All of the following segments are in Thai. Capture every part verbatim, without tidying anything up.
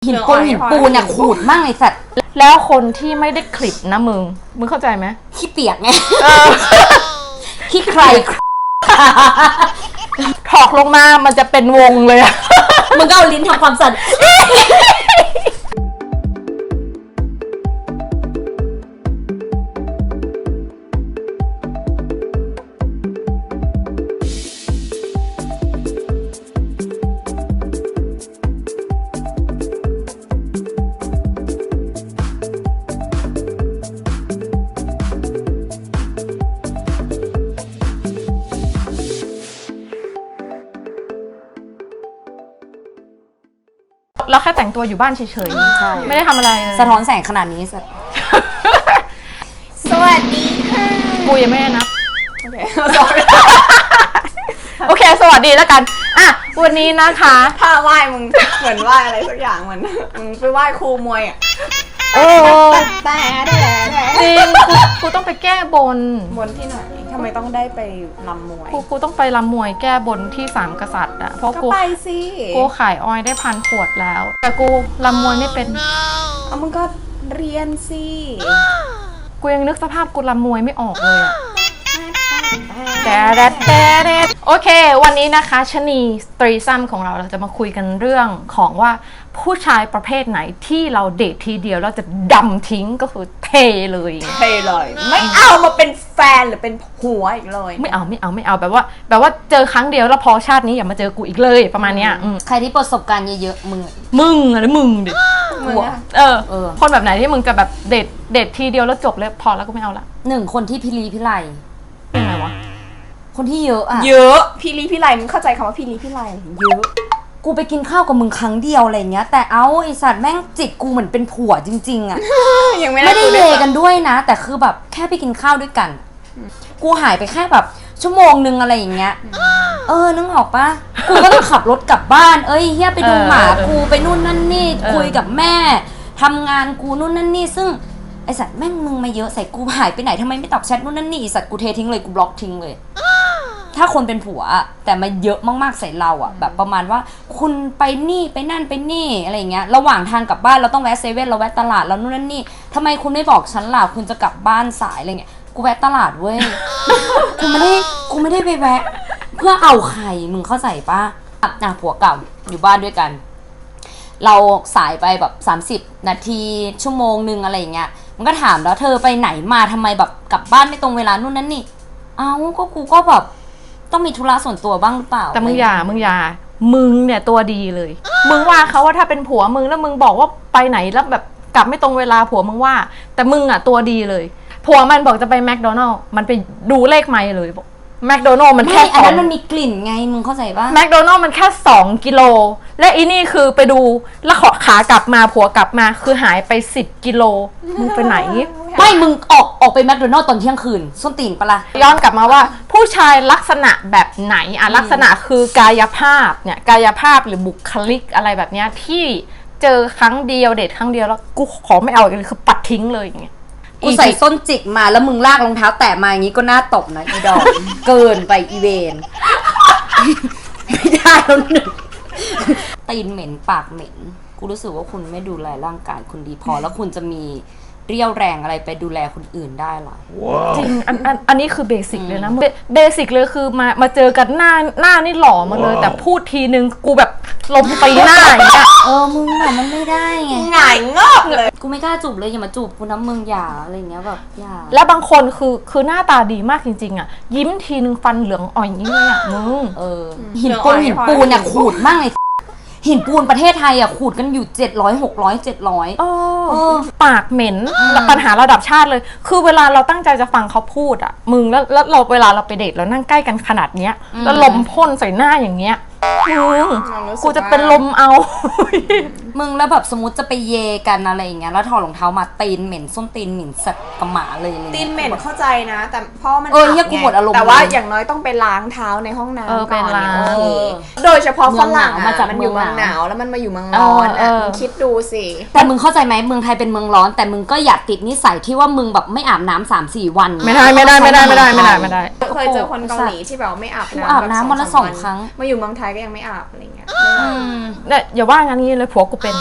หินปูนหินปูนเนี่ยขูดมากไอ้สัตว์แล้วคนที่ไม่ได้คลิปนะมึงมึงเข้าใจไหมขี้เปียกไงขี้ใครถอกลงมามันจะเป็นวงเลยอะมึงก็เอาลิ้นทำความสั่นเราแค่แต่งตัวอยู่บ้านเฉยๆไม่ได้ทำอะไรเลยสะท้อนแสงขนาดนี้สัตว์สวัสดีค่ะกูยังไม่ได้นับโอเคโอเคสวัสดีแล้วกันอ่ะวันนี้นะคะถ้าไหว้มึงเหมือนไหว้อะไรสักอย่างเหมือนมึงไปไหว้ครูมวยอ่ะโอ้แต่แต่จริงกูกูต้องไปแก้บนบนที่ไหนทำไมต้องได้ไปรำมวยกูกูต้องไปรำมวยแก้บนที่สามกษัตริย์อ่ะเพราะกูไปสิกูขายออยได้พันขวดแล้วแต่กูรำมวยไม่เป็นเอามึงก็เรียนสิกูยังนึกสภาพกูรำมวยไม่ออกเลยอ่ะแต่แต่แต่โอเควันนี้นะคะชนีสตรีซัมของเราเราจะมาคุยกันเรื่องของว่าผู้ชายประเภทไหนที่เราเดททีเดียวเราจะดำทิ้งก็คือเทเลยเทเลยไม่เอามาเป็นแฟนหรือเป็นผัวอีกเลยไม่เอาไม่เอาไม่เอาแบบว่าแบบว่าเจอครั้งเดียวแล้วพอชาตินี้อย่ามาเจอกูอีกเลยประมาณเนี้ยใครที่ประสบการณ์เยอะๆมึงมึงอะไรมึงดิเออคนแบบไหนที่มึงจะแบบเดทเดททีเดียวแล้วจบเลยพอแล้วก็ไม่เอาละหนึ่งคนที่พิลีพิไลเป็นไงวะคนที่เยอะอะเยอะพี่ลีพี่ไลมึงเข้าใจคำว่าพี่ลีพี่ไลเยอะกูไปกินข้าวกับมึงครั้งเดียวอะไรเงี้ยแต่เอาไอสัตว์แม่งจิกกูเหมือนเป็นผัวจริงๆอะยังไม่ได้เยกันด้วยนะแต่คือแบบแค่ไปกินข้าวด้วยกันกูหายไปแค่แบบชั่วโมงนึงอะไรอย่างเงี้ยเออนึกออกปะกูก็ต้องขับรถกลับบ้านเอ้ยเฮียไปดูหมากูไปนู่นนั่นนี่คุยกับแม่ทำงานกูนู่นนั่นนี่ซึ่งไอสัตว์แม่งมึงมาเยอะใส่กูหายไปไหนทำไมไม่ตอบแชทนู่นนั่นนี่ไอสัตว์กูเททิ้งเลยกูบล็อกทิ้งเลยถ้าคนเป็นผัวแต่มาเยอะมากๆใส่เราอ่ะแบบประมาณว่าคุณไปนี่ไปนั่นไปนี่อะไรเงี้ยระหว่างทางกลับบ้านเราต้องแวะเซเว่นเราแวะตลาดเรานู่นนั่นนี่ทำไมคุณไม่บอกฉันล่ะคุณจะกลับบ้านสายอะไรเงี้ยกูแวะตลาดเว้ยกูไม่ได้กูไม่ได้ไปแวะเพื่อเอาใครมึงเข้าใจปะอ่ะผัวเก่าอยู่บ้านด้วยกันเราสายไปแบบสามสิบนาทีชั่วโมงนึงอะไรเงี้ยมันก็ถามแล้วเธอไปไหนมาทำไมแบบกลับบ้านไม่ตรงเวลานู่นนั่นนี่เอ้าก็กูก็แบบต้องมีธุระส่วนตัวบ้างหรือเปล่าแต่มึงอย่ามึงอย่ามึงเนี่ยตัวดีเลยมึงว่าเขาว่าถ้าเป็นผัวมึงแล้วมึงบอกว่าไปไหนแล้วแบบกลับไม่ตรงเวลาผัวมึงว่าแต่มึงอ่ะตัวดีเลยผัวมันบอกจะไปแมคโดนัลล์มันไปดูเลขไมล์เลยบอกแมคโดนัลล์มันแค่อันนั้นมันมีกลิ่นไงมึงเข้าใจป่ะแมคโดนัลล์มันแค่สองกิโลและอีนี่คือไปดูแล้วขอขากลับมาผัวกลับมาคือหายไปสิบกิโลมึงไปไหนไม่มึงออกออกไปแมคโดนัลล์ตอนเที่ยงคืนส้นตีนปะล่ะย้อนกลับมาว่าผู้ชายลักษณะแบบไหนอ่ะลักษณะคือกายภาพเนี่ยกายภาพหรือบุคลิกอะไรแบบเนี้ยที่เจอครั้งเดียวเดทครั้งเดียวแล้วกูขอไม่เอาอีกเลยคือปัดทิ้งเลยอย่างเงี้ยกูใส่ส้นจิกมาแล้วมึงลากรองเท้าแตะมาอย่างงี้ก็น่าตบนะอีดอกเกินไปอีเวนไม่ได้แล้วหนึ่งตีนเหม็นปากเหม็นกูรู้สึกว่าคุณไม่ดูแลร่างกายคุณดีพอแล้วคุณจะมีเรี่ยวแรงอะไรไปดูแลคนอื่นได้หรอ wow. จริงอันอันอันนี้คือเบสิกเลยนะเบสิกเลยคือมามาเจอกันหน้าหน้านี่หล่อมาเลย wow. แต่พูดทีนึงกูแบบลมตีหน้าอย่างเงี้ยเออมึงแบบมันไม่ได้ไงหงายงอกเลยกูไม่กล้าจูบเลยอย่ามาจูบกูน้ำมึงอย่าอะไรเงี้ยแบบอย่าแล้วบางคนคือคือหน้าตาดีมากจริงๆอ่ะยิ้มทีนึงฟันเหลืองอ่อยอย่างนี้เลยอ่ะมึงเออหินปูนหินปูนเนี่ยขูดมากเลยหินปูนประเทศไทยอ่ะขูดกันอยู่เจ็ดร้อย หกร้อย เจ็ดร้อยเออปากเหม็นปัญหาระดับชาติเลยคือเวลาเราตั้งใจจะฟังเขาพูดอ่ะมึงแล้วแล้วเราเวลาเราไปเดทเรานั่งใกล้กันขนาดเนี้ยแล้วลมพ่นใส่หน้าอย่างเงี้ยมึงกูจะเป็นลมเอามึงแล้วแบบสมมติจะไปเยกันอะไรอย่างเงี้ยแล้วถอดรองเท้ามาตีนเหม็นส้นตีนเหม็นสัตว์กระหม่าเลยตีนเหม็นเข้าใจนะแต่เพราะมันเออเฮียกูหมดอารมณ์แต่ว่าอย่างน้อยต้องไปล้างเท้าในห้องน้ำก่อนโดยเฉพาะฝรั่งมาจากมันอยู่เมืองหนาวแล้วมันมาอยู่เมืองร้อนอ่ะมึงคิดดูสิแต่มึงเข้าใจไหมเมืองไทยเป็นเมืองร้อนแต่มึงก็อย่าติดนิสัยที่ว่ามึงแบบไม่อาบน้ำสามสี่วันไม่ได้ไม่ได้ไม่ได้ไม่ได้ไม่ได้ไม่ได้เคยเจอคนเกาหลีที่แบบไม่อาบน้ำอาบน้ำวันละสองครั้งมาอยู่เมืองไทยก็ยังไม่อาบอะไรเงี้ยเนี่ยอย่าว่างั้นนี้เลยผัวกูเป็น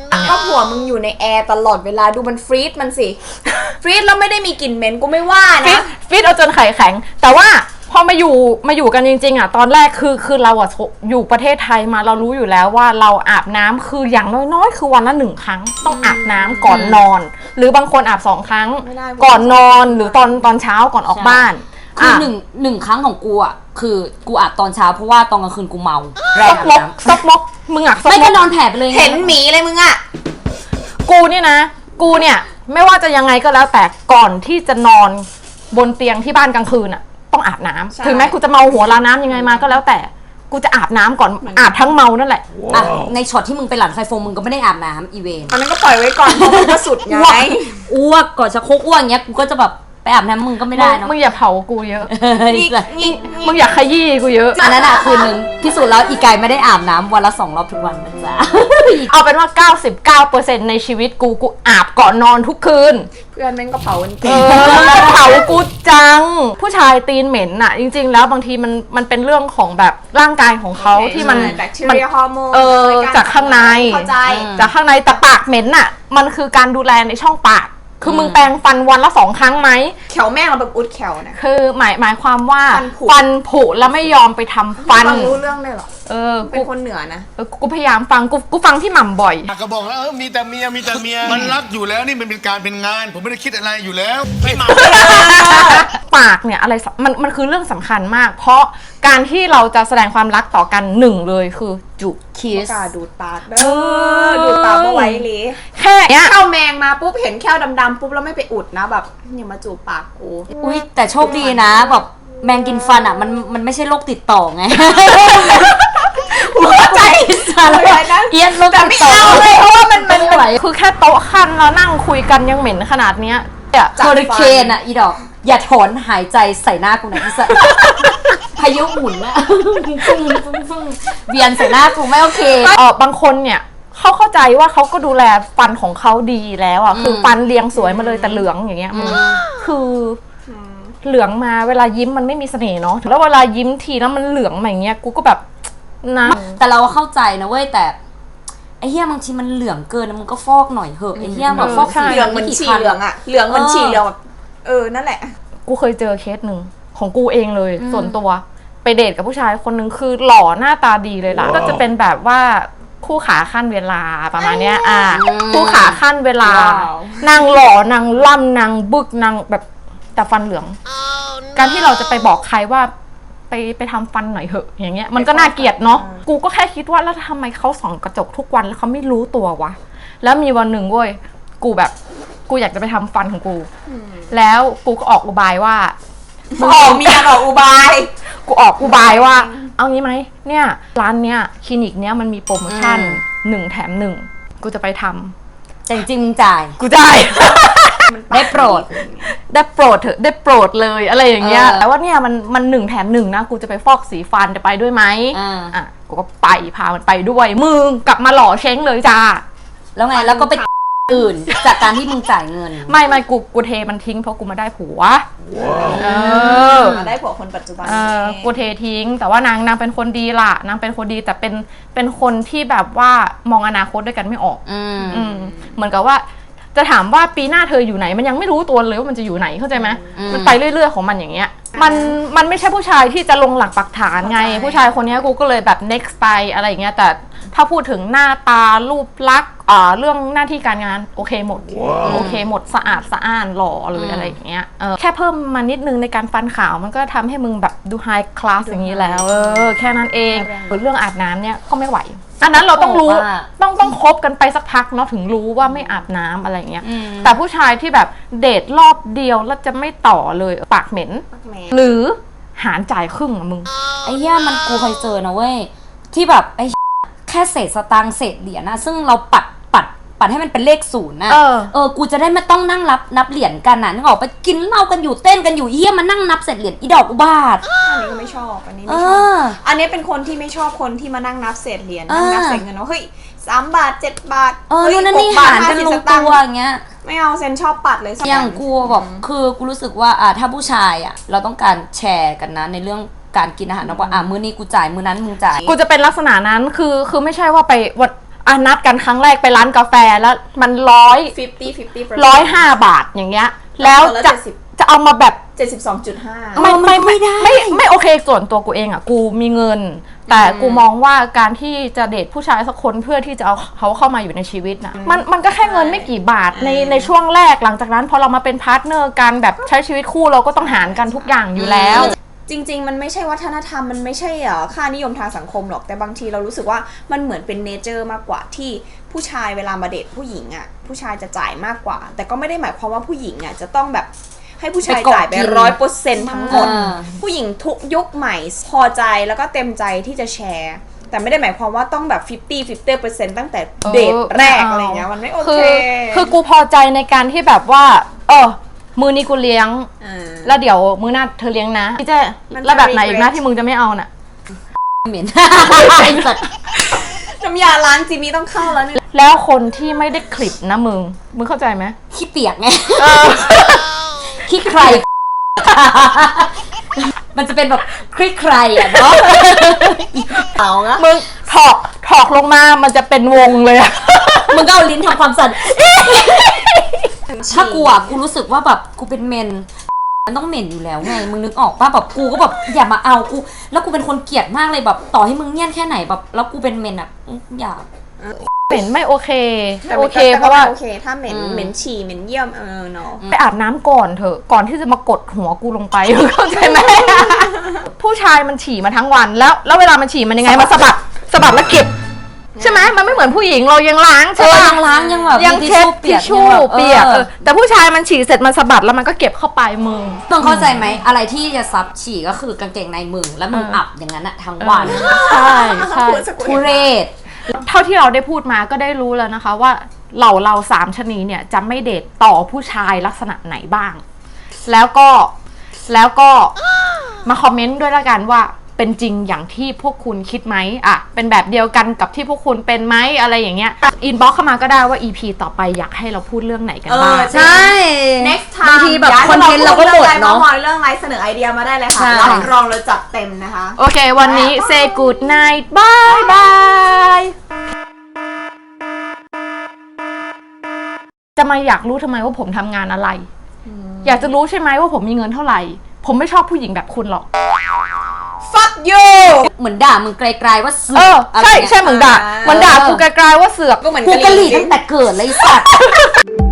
ก็ผัวมึงอยู่ในแอร์ตลอดเวลาดูมันฟรีซมันสิ ฟรีซแล้วไม่ได้มีกลิ่นเหม็นกูไม่ว่าฟิตนะฟิตเอาจนไข่แข็ง แต่ว่าพอมาอยู่มาอยู่กันจริงๆอ่ะตอนแรกคือคือเราอ่ะอยู่ประเทศไทยมาเรารู้อยู่แล้วว่าเราอาบน้ำคืออย่างน้อยๆคือวันละหนึ่งครั้งต้องอาบน้ำก่อนนอน หรือบางคนอาบสองครั้งไม่ได้ก่อนนอนหรือตอนตอนเช้าก่อนออกบ้านคือหนึ่งหนึ่งครั้งของกูอ่ะคือกูอาบตอนเช้าเพราะว่าตอนกลางคืนกูเมาแรซงอกมกน้ำซอกมกมึงอ่ะซอกไม่มก็กนอนแผ่ไปเลยไงเห็นหมีเลยมึงอะกูเนี่ยนะ กูเนี่ยไม่ว่าจะยังไงก็แล้วแต่ก่อนที่จะนอนบนเตียงที่บ้านกลางคืนอ่ะต้องอาบน้ำถึงแม้กูจะเมาหัวลาน้ำยังไงมาก็แล้วแต่กูจะอาบน้ำก่อนอาบทั้งเมานั่นแหละอ่ะในช็อตที่มึงไปหลันไฟโฟมมึงก็ไม่ได้อาบน้ำอีเวนอันนั้นก็ปล่อยไว้ก่อนเพราะมันก็สุดไงอ้วกอ้วกก่อนจะโคกอ้วกอย่างเงี้ยกูก็จะแบบไปอาบน้ำมึงก็ไม่ได้เนาะมึงอย่าเผากูเยอะนี่นี่นี่มึงอย่าขยี้กูเยอะอันนั้นอะคืนนึงพิสูจน์แล้วอีกายไม่ได้อาบน้ำวันละสองรอบทุกวันนะจ๊ะเอาเป็นว่า เก้าสิบเก้าเปอร์เซ็นต์ ในชีวิตกูกูอาบก่อนนอนทุกคืนเพื่อนแม่งก็เผากันเอเก่งอเผากูจัง ผู้ชายตีนเหม็นน่ะ จริงๆ แล้วบางทีมันมันเป็นเรื่องของแบบร่างกายของเขาที่มันแบคทีมันเรียฮอร์โมนเออรจากข้างในเข้าใจจากข้างในแต่ปากเหม็นน่ะ มันคือการดูแลในช่องปาก คือมึงแปรงฟันวันละสองครั้งไหมแขวแม่งเราแบบอุดแขวนะคือหมายหมายความว่าฟันผุฟันผุแล้วไม่ยอมไปทำฟันฟังรู้เรื่องเลยเหรอเออเป็กูนคนเหนือนะเออกูพยายามฟังกูกูฟังพี่หม่ำบ่อยก็บอกแล้วเออมีแต่เมียมีแต่เมีย มันรักอยู่แล้วนี่มันเป็นการเป็นงาน ผมไม่ได้คิดอะไรอยู่แล้วไม่มาปากเนี่ยอะไรสมันมันคือเรื่องสำคัญมาก เพราะการที่เราจะแสดงความรักต่อกันหนึ่งเลยคือจุคิสกาดูดปากเด้อดูดปากเอาไว้เลยแค่เนี้ยเข้าแมงมาปุ๊บเห็นแค่ดำๆปุ๊บแล้วไม่ไปอุดนะแบบอย่ามาจูบปากกูอุ้ยแต่โชคดีนะแบบแมงกินฟันอ่ะมันมันไม่ใช่โรคติดต่อไงหัวใจสั่นเลยนะเอียนโรคติดต่อเลยเพราะว่ามันมันไม่ไหวคือแค่โต๊ะคันแล้วนั่งคุยกันยังเหม็นขนาดเนี้ยเนี่ยเฮอริเคนอ่ะอีดอกอย่าถอนหายใจใส่หน้ากูนะอีสัสพายุหมุนอะฟึ่งฟึ่งฟึ่งเวียนใส่หน้ากูไม่โอเคเออบางคนเนี่ยเขาเข้าใจว่าเขาก็ดูแลฟันของเขาดีแล้วอ่ะคือฟันเรียงสวยมาเลยแต่เหลืองอย่างเงี้ยมันคือเหลืองมาเวลายิ้มมันไม่มีเสน่ห์เนาะแล้วเวลายิ้มทีแล้วมันเหลืองมาอย่างเงี้ยกูก็แบบนะแต่เราเข้าใจนะเว้ยแต่ไอ้เหี้ยบางทีมันเหลืองเกินนะมึงก็ฟอกหน่อยเหอะไอ้เหี้ยแบบฟอกสีเหลืองเหมือนฉี่เหลืองอะเหลืองเหมือนฉี่เหลืองแบบเออนั่นแหละกูเคยเจอเคสหนึ่งของกูเองเลยส่วนตัวไปเดทกับผู้ชายคนหนึ่งคือหล่อหน้าตาดีเลยล่ะก็จะเป็นแบบว่าคู่ขาขั้นเวลาประมาณเนี้ยอ่าคู่ขาขั้นเวลาว้าวนางหล่อนางล่ำนางบึกนางแบบแต่ฟันเหลือง การที่เราจะไปบอกใครว่าไปไปทำฟันหน่อยเหอะอย่างเงี้ยมันก็น่าเกลียดเนาะกูก็แค่คิดว่าแล้วทำไมเขาส่องกระจกทุกวันแล้วเขาไม่รู้ตัววะแล้วมีวันหนึ่งเว้ยกูแบบกูอยากจะไปทำฟันของกูแล้วกูก็ออกอุบายว่าออกเมียออกอุบายกูออกอุบายว่า เอางี้ไหมเนี่ยร้านเนี้ยคลินิกเนี้ยมันมีโปรโมชั่นหนึ่งแถมหนึ่งกูจะไปทำแต่จริงๆมึงจ่ายกูได้ได้โปรดได้โปรดเถอะได้โปรดเลยอะไรอย่างเงี้ยเออแต่ว่าเนี่ยมันมันหนึ่งแถมหนึ่งนะกูจะไปฟอกสีฟันจะไปด้วยไหมอ่าอ่ะกูก็ไปพามันไปด้วยมึงกลับมาหล่อเช้งเลยจ้าแล้วไงแล้วก็ไปอื่นจากการที่มึงจ่ายเงินไม่ไม่กูกูเทมันทิ้งเพราะกูมาได้ผัวเออมาได้ผัวคนปัจจุบันเออกูเททิ้ง แต่ว่านางนางเป็นคนดีล่ะนางเป็นคนดีแต่เป็นเป็นคนที่แบบว่ามองอนาคตด้วยกันไม่ออกอืมอืมเหมือนกับว่าจะถามว่าปีหน้าเธออยู่ไหนมันยังไม่รู้ตัวเลยว่ามันจะอยู่ไหนเข้าใจไหมอืมมันไปเรื่อยๆของมันอย่างเงี้ยมันมันไม่ใช่ผู้ชายที่จะลงหลักปักฐานไง ผู้ชายคนเนี้ยกูก็เลยแบบ next ไปอะไรอย่างเงี้ยแต่ถ้าพูดถึงหน้าตารูปลักษณ์อ่าเรื่องหน้าที่การงานโอเคหมดโอเคหมดสะอาดสะอ้านหล่อเลยอะไรอย่างเงี้ยเออแค่เพิ่มมานิดนึงในการฟันขาวมันก็ทำให้มึงแบบดูไฮคลาสอย่างนี้แล้วเออแค่นั้นเองเรื่องอาบน้ำเนี่ยก็ไม่ไหวอันนั้นเราต้องรู้ว่าต้องต้องคบกันไปสักพักเนาะถึงรู้ว่าไม่อาบน้ำอะไรเงี้ยอืมแต่ผู้ชายที่แบบเดทรอบเดียวแล้วจะไม่ต่อเลยปากเหม็นแหมหรือหารจ่ายครึ่งอะมึงไอ้เหี้ยมันกูเคยเจอนะเว้ยที่แบบไอ้แค่เศษสตางค์เศษเหรียญนะซึ่งเราปัดปัดปัดให้มันเป็นเลขศูนย์นะเออเออกูจะได้ไม่ต้องนั่งรับนับเหรียญกันนะนึกออกไปกินเหล้ากันอยู่เต้นกันอยู่เหี้ยมานั่งนับเศษเหรียญอีดอกอุบาทอันนี้ก็ไม่ชอบอันนี้เอไม่ชอบออันนี้เป็นคนที่ไม่ชอบคนที่มานั่งนับเศษเหรียญอ่านั่นั่งนับเศษเงินว่าเฮ้ยสามบาทเจ็ดบาทเออฮ้ยนู่นนั่นนี่บหาทรกันห้ลสิงบตัตัค์วอย่างเงี้ยไม่เอาเซนชอบปัดเลยสักอย่างกูแบบคือกูรู้สึกว่าอ่ะถ้าผู้ชายอ่ะเราต้องการแชร์กันนะในเรื่องการกินอาหารนะว่าอ่ะมื้อนี้กูจ่ายมื้อนั้นมึงจ่ายกูจะเป็นลักษณะนั้นคือคือไม่ใช่ว่าไปวันอ่ะนัดกันครั้งแรกไปร้านกาแฟแล้วมันร้อยห้าสิบ ห้าสิบร้อยห้าบาทอย่างเงี้ยแล้วจะจะเอามาแบบเจ็ดสิบสองจุดห้าไม่ไม่ไม่ได้ไม่ไม่โอเคส่วนตัวกูเองอ่ะกูมีเงิน แต่กูมองว่าการที่จะเดทผู้ชายสักคนเพื่อที่จะเอาเขาเข้ามาอยู่ในชีวิตนะมันมันก็แค่เงินไม่กี่บาทในในช่วงแรกหลังจากนั้นพอเรามาเป็นพาร์ทเนอร์กันแบบใช้ชีวิตคู่เราก็ต้องหารกันทุกอย่างอยู่แล้วจริงๆมันไม่ใช่วัฒนธรรมมันไม่ใช่อ่ะค่านิยมทางสังคมหรอกแต่บางทีเรารู้สึกว่ามันเหมือนเป็นเนเจอร์มากกว่าที่ผู้ชายเวลามาเดทผู้หญิงอ่ะผู้ชายจะจ่ายมากกว่า แต่ก็ไม่ได้หมายความว่าผู้หญิงอ่ะจะต้องแบบให้ผู้ชายจ่ายไปร้อยเปอร์เซ็นต์ทั้งหมดผู้หญิงทุกยุคใหม่พอใจแล้วก็เต็มใจที่จะแชร์แต่ไม่ได้หมายความว่าต้องแบบ ห้าสิบ ห้าสิบเปอร์เซ็นต์ ตั้งแต่เดทแรกอะไรเงี้ยมันไม่โอเคคือคือกูพอใจในการที่แบบว่าเออมือนี้กูเลี้ยงแล้วเดี๋ยวมือหน้าเธอเลี้ยงนะพี่เจ๊แล้วแบบไหนอีกนะที่มึงจะไม่เอาน่ะเหม็นน้ำยาล้างจีมี่ต้องเข้าแล้วเนี่ยแล้วคนที่ไม่ได้คลิปนะมึงมึงเข้าใจไหมขี้เปียกไงขี้ใคร มันจะเป็นแบบคลิกใครอ่ะเนาะเอางะมึงถอกถอกลงมามันจะเป็นวงเลยอะมึงก็เอาลิ้นทำความสั่นถ้ากูอ่ะกูรู้สึกว่าแบบกูเป็นเมนมันต้องเหม็นอยู่แล้วไงมึงนึกออกป่ะแบบกูก็แบบอย่ามาเอากูแล้วกูเป็นคนเกลียดมากเลยแบบต่อให้มึงเงี้ยนแค่ไหนแบบแล้วกูเป็นเมนอ่ะอย่าเหม็นไม่โอเคแต่โอโอเคเคเพเพราะราะว่าว่าโอเคถ้าเหม็นเหม็นฉี่เหม็นเยี่ยมเออเนาะไปอาบน้ำก่อนเถอะก่อนที่จะมากดหัวกูลงไปเข้าใจไหม ผู้ชายมันฉี่มาทั้งวันแล้วแล้วเวลามันฉี่มันยังไงมาสะบัดสะบัดแล้วเก็บใช่ไหมมันไม่เหมือนผู้หญิงเรายังล้างเอใช่อปะยังล้างยังแบบยังเช็ดทิชชู่เปียกเอเอออแต่ผู้ชายมันฉี่เสร็จมันสะบัดแล้วมันก็เก็บเข้าไปมึงมึงเข้าใจไหมอะไรที่จะซับฉี่ก็คือกางเกงในมึงแล้วมึงเอออัอับอย่างนั้นอะทั้งวันใช่ใช่ทุเรศเท่าที่เราได้พูดมาก็ได้รู้แล้วนะคะว่าเหล่าเราสามชนีเนี่ยจะไม่เดทต่อผู้ชายลักษณะไหนบ้าง แล้วก็แล้วก็มาคอมเมนต์ด้วยละกันว่าเป็นจริงอย่างที่พวกคุณคิดไหมอ่ะเป็นแบบเดียวกันกับที่พวกคุณเป็นไหมอะไรอย่างเงี้ยอินบ็อกเข้ามาก็ได้ว่า อี พี ต่อไปอยากให้เราพูดเรื่องไหนกันบ้างเออใช่ next time บางทีแบบคอนเทนต์เราก็หมดเนาะเรื่องไรเสนอไอเดียมาได้เลยค่ะใช่รับรองเราจัดเต็มนะคะโอเควันนี้ say good night bye bye จะมาอยากรู้ทำไมว่าผมทำงานอะไร อยากจะรู้ใช่ไหมว่าผมมีเงินเท่าไหร่ ผมไม่ชอบผู้หญิงแบบคุณหรอก fuck you เหมือนด่ามึงไกลๆว่าเสืเอออะไรใช่เงี้ยใช่เหมือนด่าเหมือนด่ากูไกลๆว่าเสือกก็เหมือนกูกะหกะหรี่รี่ตั้งแต่เกิดเลยไอ้สัตว์